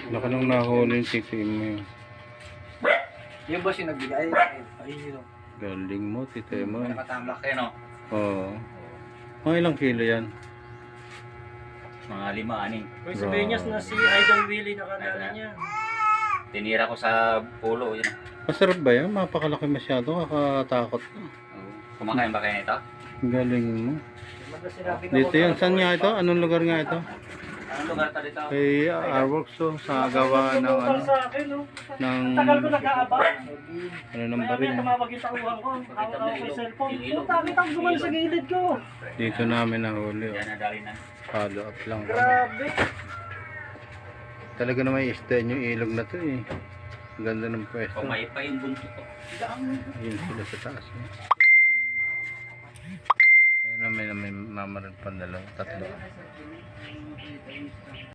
Laka nung nahuli yung titi mo yun. Yung boss yung nagbigay. Ayun yun. Galing mo, titi mo. Nakatambak kayo, no? Oo. Mga ilang kilo yan? Mga 5, 6. Uy, si Benyas na si Idol Willie nakadala niya. Tinira ko sa pulo. Yun. Masarap ba yan? Mapakalaki masyado, kakatakot. Kumakain ba kayo nito? Galing mo. Magda sinabi na Dito yan, saan nga ito? Anong lugar nga ito? Anong lugar ta dito? Kay Arworks to, sa gawa ng ano, sa akin, no? ng, Tagal ko nag-aabang. ano ng Maya baril. maya tumawag yung tauhan ko. Hawak ako kay cellphone. Puta, kita ko gumawa sa gilid ko. Dito namin nahuli. Yan, nadali na. Follow up lang. Grabe. Talaga naman i-stand yung ilog na to eh. Ganda ng pwesto. Pumay pa yung buntot ko. Ayun sila sa taas. Eh. Ayun na may mamaran pa dalawa, tatlo.